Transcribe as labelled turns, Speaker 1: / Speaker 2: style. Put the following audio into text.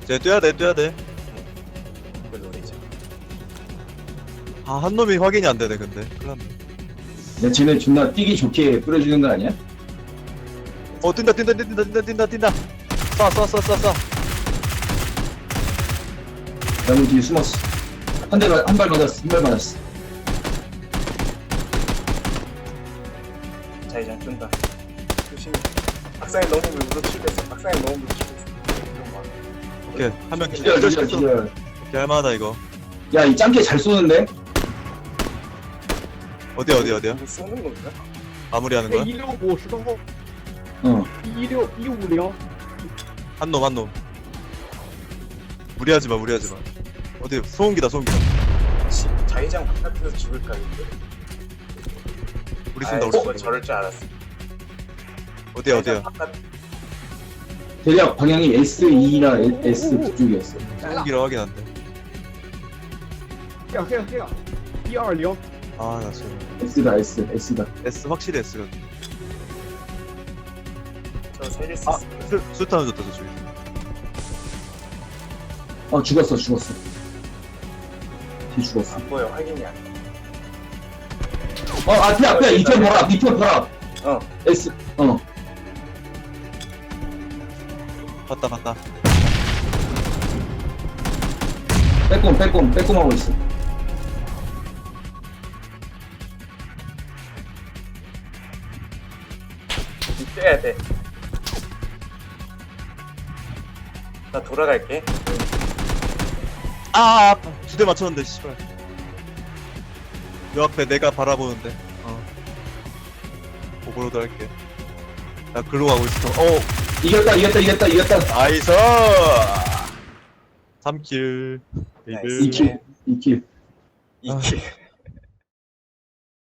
Speaker 1: 쟤 뛰어야 돼, 뛰어야 돼.
Speaker 2: 그걸 노리자.
Speaker 1: 아, 한 놈이 확인이 안 되네, 근데. 큰일 났네.
Speaker 3: 야, 쟤네 존나 뛰기 좋게 뿌려주는 거 아니야?
Speaker 1: 어, 뛴다. 쏴.
Speaker 3: 나무 뒤에 숨었어. 한 발 맞았어.
Speaker 2: 자기장 쫀다. 조심해. 박사님 너무 물어치겠어. 박사님 너무 물어치겠어. 이런 거.
Speaker 1: 오케이. 한 명
Speaker 3: 기절.
Speaker 1: 기절. 오케이, 할만하다, 이거.
Speaker 3: 야, 이 짱깨 잘 쏘는데?
Speaker 1: 어디야?
Speaker 2: 이거 쏘는 건가?
Speaker 1: 마무리하는 거야?
Speaker 4: 165石头后
Speaker 3: 어.
Speaker 4: 156
Speaker 1: 한 놈. 무리하지 마. 어디, 소음기다.
Speaker 2: 자기장 바깥에서 죽을까 이거?
Speaker 1: 우리 쏜다, 우리 쏜다.
Speaker 2: 저럴 줄 알았어.
Speaker 1: 어디야?
Speaker 2: 자기장 바깥
Speaker 3: 대략 방향이 S2나 S 그쪽이었어.
Speaker 1: 소음기라 확인 안 돼.
Speaker 4: 这样120
Speaker 1: 아, 나 지금.
Speaker 3: S다.
Speaker 1: S 확실히 S가.
Speaker 2: 저 살릴 수
Speaker 1: 아,
Speaker 2: 있어.
Speaker 1: 술탄을 줬다, 저쪽에.
Speaker 3: 죽었어. 뒤 죽었어.
Speaker 2: 안 보여. 확인이 안 돼.
Speaker 3: 앞에 이편 봐라.
Speaker 2: 어.
Speaker 3: S.
Speaker 1: 봤다.
Speaker 3: 빼꼼 하고 있어.
Speaker 2: 떼야 돼. 나 돌아갈게.
Speaker 1: 아, 2대 맞췄는데, 씨발. 요 앞에 내가 바라보는데. 오버로드 할게. 나 글로 가고 있어.
Speaker 3: 이겼다.
Speaker 1: 나이스! 3킬.
Speaker 2: 나이스.
Speaker 3: 2킬.
Speaker 2: 이키.